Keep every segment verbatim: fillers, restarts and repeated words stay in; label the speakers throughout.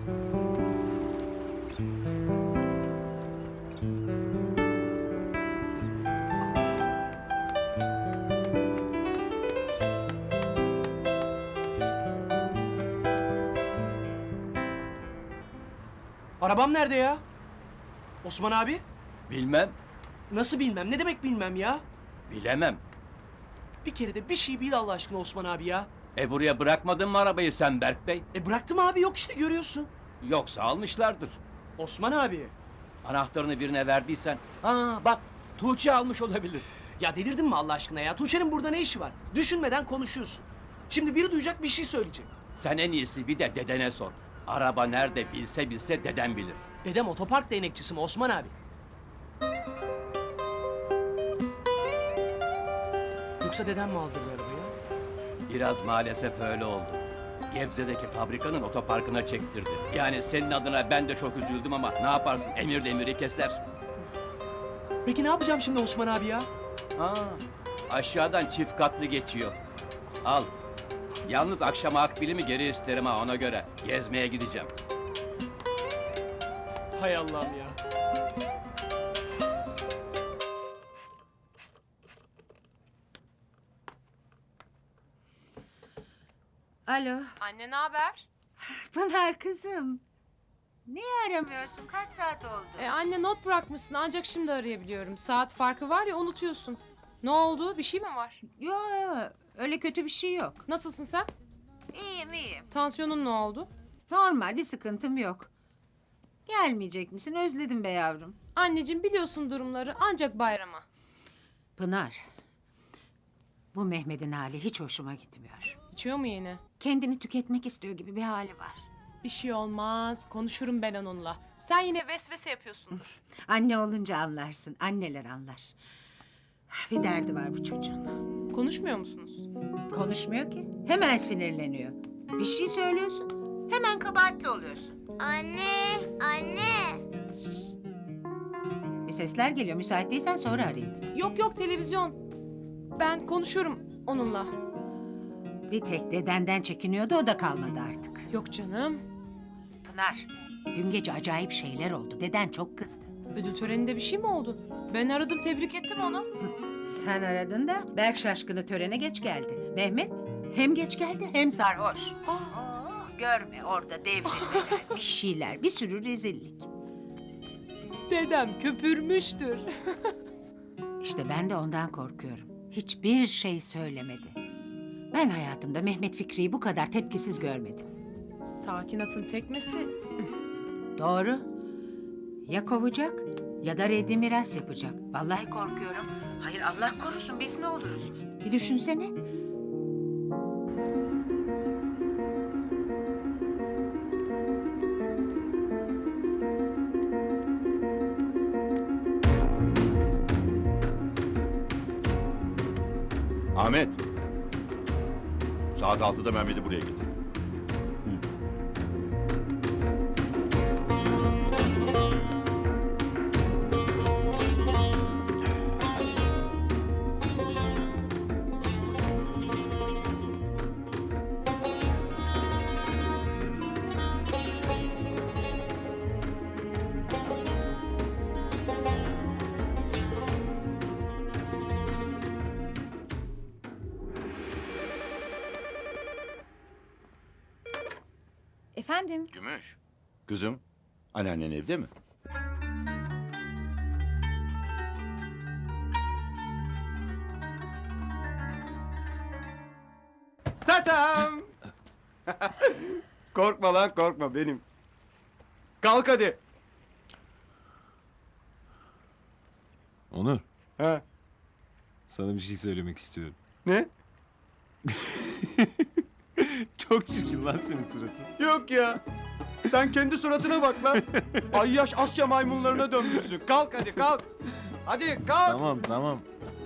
Speaker 1: Arabam nerede ya? Osman abi?
Speaker 2: Bilmem,
Speaker 1: Nasıl bilmem? Ne demek bilmem ya?
Speaker 2: bilemem.
Speaker 1: Bir kere de bir şey bil Allah aşkına Osman abi ya.
Speaker 2: E buraya bırakmadın mı arabayı sen Berk Bey?
Speaker 1: E bıraktım abi, yok işte görüyorsun.
Speaker 2: Yoksa almışlardır.
Speaker 1: Osman abi.
Speaker 2: Anahtarını birine verdiysen... Aa bak, Tuğçe almış olabilir.
Speaker 1: Ya delirdin mi Allah aşkına ya? Tuğçe'nin burada ne işi var? Düşünmeden konuşuyorsun. Şimdi biri duyacak, bir şey söyleyecek.
Speaker 2: Sen en iyisi bir de dedene sor. Araba nerede bilse bilse deden bilir.
Speaker 1: Dedem otopark değnekçisi mi Osman abi? Yoksa dedem mi aldı bu arabayı?
Speaker 2: Biraz maalesef öyle oldu. Gebze'deki fabrikanın otoparkına çektirdi. Yani senin adına ben de çok üzüldüm ama ne yaparsın, emir demiri keser.
Speaker 1: Peki ne yapacağım şimdi Osman abi ya?
Speaker 2: Aa, aşağıdan çift katlı geçiyor. Al. Yalnız akşama akbilimi geri isterim ha, ona göre. Gezmeye gideceğim.
Speaker 1: Hay Allah'ım ya.
Speaker 3: Alo,
Speaker 4: Anne ne haber?
Speaker 3: Pınar kızım. Niye aramıyorsun? Kaç saat oldu?
Speaker 4: E, anne not bırakmışsın ancak şimdi arayabiliyorum. Saat farkı var ya unutuyorsun. Ne oldu? Bir şey mi var?
Speaker 3: Yo, yo, öyle kötü bir şey yok.
Speaker 4: Nasılsın sen?
Speaker 3: İyiyim, iyiyim.
Speaker 4: Tansiyonun ne oldu?
Speaker 3: Normal, bir sıkıntım yok. Gelmeyecek misin? Özledim be yavrum.
Speaker 4: Anneciğim biliyorsun durumları ancak bayrama.
Speaker 3: Pınar, bu Mehmet'in hali hiç hoşuma gitmiyor.
Speaker 4: İçiyor mu yine?
Speaker 3: Kendini tüketmek istiyor gibi bir hali var.
Speaker 4: Bir şey olmaz. Konuşurum ben onunla. Sen yine vesvese yapıyorsundur.
Speaker 3: Anne olunca anlarsın, anneler anlar. Bir derdi var bu çocuğun.
Speaker 4: Konuşmuyor musunuz?
Speaker 3: Konuşmuyor ki, hemen sinirleniyor. Bir şey söylüyorsun, hemen kabahatli oluyorsun.
Speaker 5: Anne, anne.
Speaker 3: Bir sesler geliyor, müsait değilsen sonra arayayım.
Speaker 4: Yok yok televizyon. Ben konuşurum onunla.
Speaker 3: Bir tek dedenden çekiniyordu, o da kalmadı artık.
Speaker 4: Yok canım.
Speaker 3: Pınar, dün gece acayip şeyler oldu. Deden çok kızdı.
Speaker 4: Ödül töreninde bir şey mi oldu? Ben aradım tebrik ettim onu.
Speaker 3: Sen aradın da Berk Şaşkın'ı törene geç geldi. Mehmet hem geç geldi hem sarhoş. Aa, görme orada devrilmeler, bir şeyler, bir sürü rezillik.
Speaker 4: Dedem köpürmüştür.
Speaker 3: İşte ben de ondan korkuyorum. Hiçbir şey söylemedi. Ben hayatımda Mehmet Fikri'yi bu kadar tepkisiz görmedim.
Speaker 4: Sakin atın tekmesi.
Speaker 3: Doğru. Ya kovacak ya da reddi miras yapacak. Vallahi korkuyorum. Hayır Allah korusun, biz ne oluruz? Bir düşünsene.
Speaker 6: Ahmet. Saat altıda Mehmet'i buraya getir.
Speaker 4: Efendim?
Speaker 6: Gümüş. Kızım, anneannen evde mi?
Speaker 7: Tatam! Korkma lan, korkma benim. Kalk hadi.
Speaker 8: Onur,
Speaker 7: Ha,
Speaker 8: sana bir şey söylemek istiyorum.
Speaker 7: ne?
Speaker 8: Çok çirkin lan senin suratın.
Speaker 7: Yok ya. Sen kendi suratına bak lan. Ayyaş Asya maymunlarına dönmüşsün. Kalk hadi, kalk. Hadi kalk.
Speaker 8: Tamam, tamam.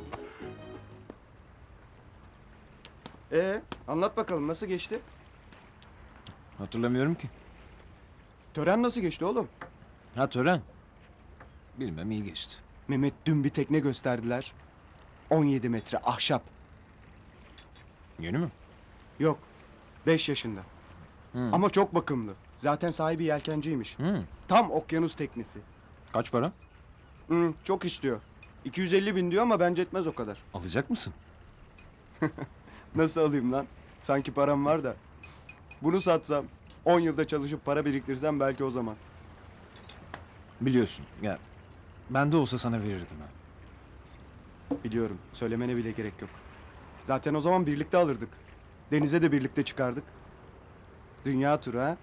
Speaker 7: Ee, anlat bakalım nasıl geçti?
Speaker 8: Hatırlamıyorum ki.
Speaker 7: Tören nasıl geçti oğlum?
Speaker 8: Ha tören. Bilmem iyi geçti.
Speaker 7: Mehmet dün bir tekne gösterdiler. on yedi metre ahşap.
Speaker 8: Yeni mi?
Speaker 7: Yok. beş yaşında.
Speaker 8: Hı.
Speaker 7: Ama çok bakımlı. Zaten sahibi yelkenciymiş.
Speaker 8: Hı.
Speaker 7: Tam okyanus teknesi.
Speaker 8: Kaç para?
Speaker 7: Hı, çok istiyor. iki yüz elli bin diyor ama bence etmez o kadar.
Speaker 8: Alacak mısın?
Speaker 7: Nasıl alayım lan? Sanki param var da. Bunu satsam, on yılda çalışıp para biriktirsem belki o zaman.
Speaker 8: Biliyorsun. Ya ben de olsa sana verirdim ha.
Speaker 7: Biliyorum, söylemene bile gerek yok. Zaten o zaman birlikte alırdık. Denize de birlikte çıkardık. Dünya turu ha?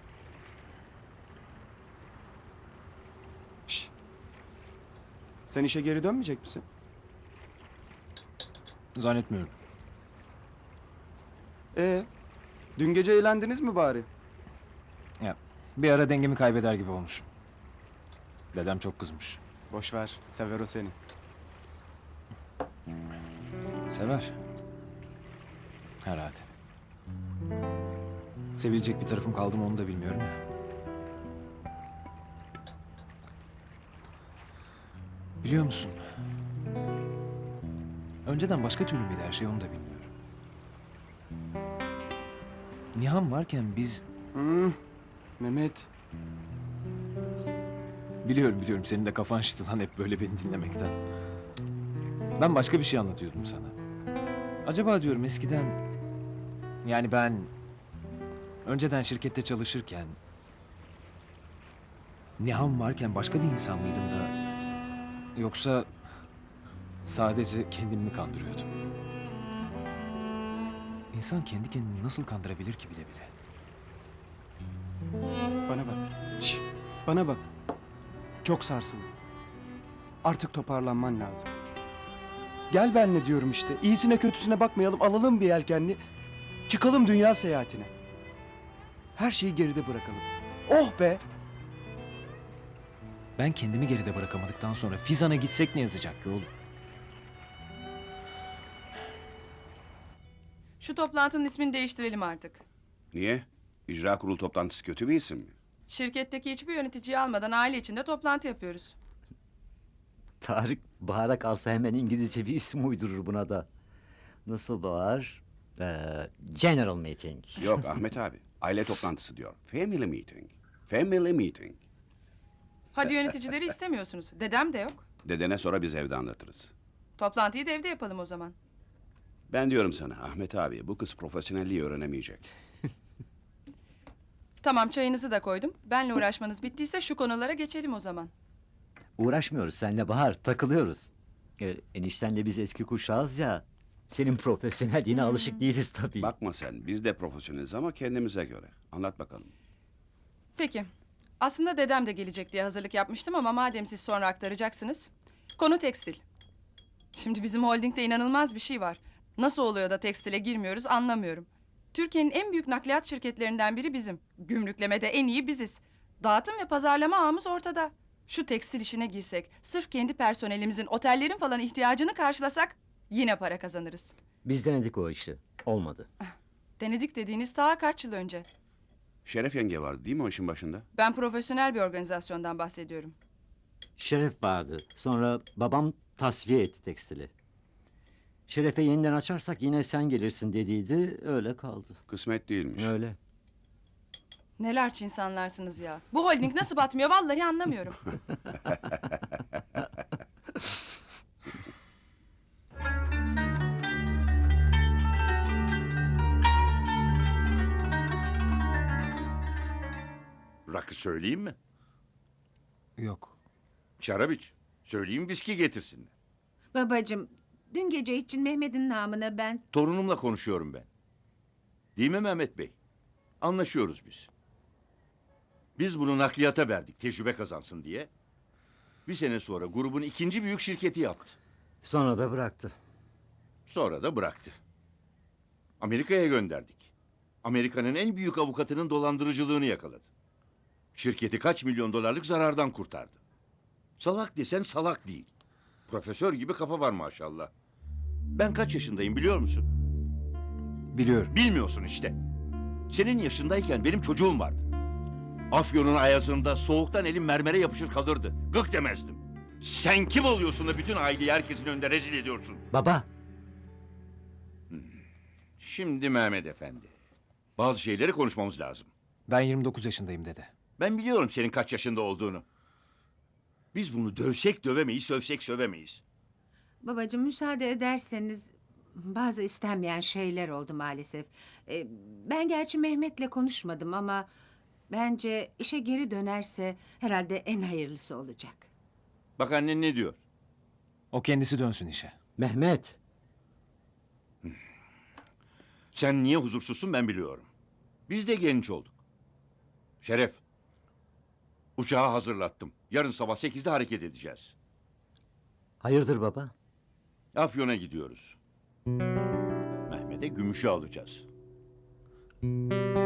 Speaker 7: Şş. Sen işe geri dönmeyecek misin?
Speaker 8: Zannetmiyorum.
Speaker 7: Ee, dün gece eğlendiniz mi bari?
Speaker 8: Ya bir ara dengemi kaybeder gibi olmuşum. Dedem çok kızmış.
Speaker 7: Boş ver, sever o seni.
Speaker 8: Sever. Herhalde. Sevilecek bir tarafım kaldı mı onu da bilmiyorum ya. Biliyor musun? Önceden başka türlü müydü her şey onu da bilmiyorum. Nihan varken biz...
Speaker 7: Hmm, Mehmet,
Speaker 8: Biliyorum biliyorum senin de kafan şişti lan hep böyle beni dinlemekten. Ben başka bir şey anlatıyordum sana. Acaba diyorum eskiden... Yani ben... Önceden şirkette çalışırken... Nihan varken başka bir insan mıydım da... Yoksa... Sadece kendimi mi kandırıyordum? İnsan kendi kendini nasıl kandırabilir ki bile bile?
Speaker 7: bana bak. Şş, bana bak. Çok sarsıldım. Artık toparlanman lazım. Gel benle diyorum işte. İyisine kötüsüne bakmayalım. Alalım bir yelkenli. Çıkalım dünya seyahatine. Her şeyi geride bırakalım. Oh be!
Speaker 8: Ben kendimi geride bırakamadıktan sonra Fizan'a gitsek ne yazacak ki oğlum?
Speaker 9: Şu toplantının ismini değiştirelim artık.
Speaker 10: Niye? İcra kurulu toplantısı kötü bir isim mi?
Speaker 9: Şirketteki hiçbir yöneticiyi almadan aile içinde toplantı yapıyoruz.
Speaker 11: Tarık Bahar'a kalsa hemen İngilizce bir isim uydurur buna da. Nasıl Bahar? Ee, General Meeting.
Speaker 10: Yok Ahmet abi. Aile toplantısı diyor. Family meeting. Family meeting.
Speaker 9: Hadi yöneticileri istemiyorsunuz. Dedem de yok.
Speaker 10: Dedene sonra biz evde anlatırız.
Speaker 9: Toplantıyı da evde yapalım o zaman.
Speaker 10: Ben diyorum sana Ahmet abi bu kız profesyonelliği öğrenemeyecek.
Speaker 9: Tamam çayınızı da koydum. Benle uğraşmanız bittiyse şu konulara geçelim o zaman.
Speaker 11: Uğraşmıyoruz seninle Bahar, takılıyoruz. Ee, eniştenle biz eski kuşağız ya. Senin profesyonelliğine alışık değiliz tabii.
Speaker 10: Bakma sen biz de profesyoneliz ama kendimize göre. Anlat bakalım.
Speaker 9: Peki. Aslında dedem de gelecek diye hazırlık yapmıştım ama madem siz sonra aktaracaksınız. Konu tekstil. Şimdi bizim holdingde inanılmaz bir şey var. Nasıl oluyor da tekstile girmiyoruz anlamıyorum. Türkiye'nin en büyük nakliyat şirketlerinden biri bizim. Gümrüklemede en iyi biziz. Dağıtım ve pazarlama ağımız ortada. Şu tekstil işine girsek, sırf kendi personelimizin, otellerin falan ihtiyacını karşılasak yine para kazanırız.
Speaker 11: Biz denedik o işi. Olmadı.
Speaker 9: Denedik dediğiniz daha kaç yıl önce.
Speaker 10: Şeref yenge vardı değil mi o işin başında?
Speaker 9: Ben profesyonel bir organizasyondan bahsediyorum.
Speaker 11: Şeref vardı. Sonra babam tasfiye etti tekstili. Şeref'e yeniden açarsak yine sen gelirsin dediydi. Öyle kaldı.
Speaker 10: Kısmet değilmiş.
Speaker 11: Öyle.
Speaker 9: Nelerç insanlarsınız ya. Bu holding nasıl batmıyor vallahi anlamıyorum.
Speaker 6: Rakı söyleyeyim mi?
Speaker 8: Yok.
Speaker 6: Şarap iç. Söyleyeyim viski getirsinler.
Speaker 3: Babacığım, dün gece için Mehmet'in namına ben...
Speaker 6: Torunumla konuşuyorum ben. Değil mi Mehmet Bey? Anlaşıyoruz biz. Biz bunu nakliyata verdik tecrübe kazansın diye. Bir sene sonra grubun ikinci büyük şirketi yaptı.
Speaker 11: Sonra da bıraktı.
Speaker 6: Sonra da bıraktı. Amerika'ya gönderdik. Amerika'nın en büyük avukatının dolandırıcılığını yakaladı. Şirketi kaç milyon dolarlık zarardan kurtardı. Salak desen salak değil. Profesör gibi kafa var maşallah. Ben kaç yaşındayım biliyor musun?
Speaker 8: Biliyorum.
Speaker 6: Bilmiyorsun işte. Senin yaşındayken benim çocuğum vardı. Afyon'un ayazında soğuktan elim mermere yapışır kalırdı. Gık demezdim. Sen kim oluyorsun da bütün aileyi herkesin önünde rezil ediyorsun?
Speaker 11: Baba.
Speaker 6: Şimdi Mehmet Efendi. Bazı şeyleri konuşmamız lazım.
Speaker 8: Ben yirmi dokuz yaşındayım dede.
Speaker 6: Ben biliyorum senin kaç yaşında olduğunu. Biz bunu dövsek dövemeyiz, sövsek sövemeyiz.
Speaker 3: Babacığım müsaade ederseniz bazı istenmeyen şeyler oldu maalesef. Ee, ben gerçi Mehmet'le konuşmadım ama bence işe geri dönerse herhalde en hayırlısı olacak.
Speaker 6: Bak annen ne diyor?
Speaker 8: O kendisi dönsün işe.
Speaker 11: Mehmet,
Speaker 6: Sen niye huzursuzsun ben biliyorum. Biz de genç olduk. Şeref, uçağı hazırlattım. Yarın sabah sekizde hareket edeceğiz.
Speaker 11: hayırdır baba?
Speaker 6: Afyon'a gidiyoruz. Mehmet'e gümüşü alacağız.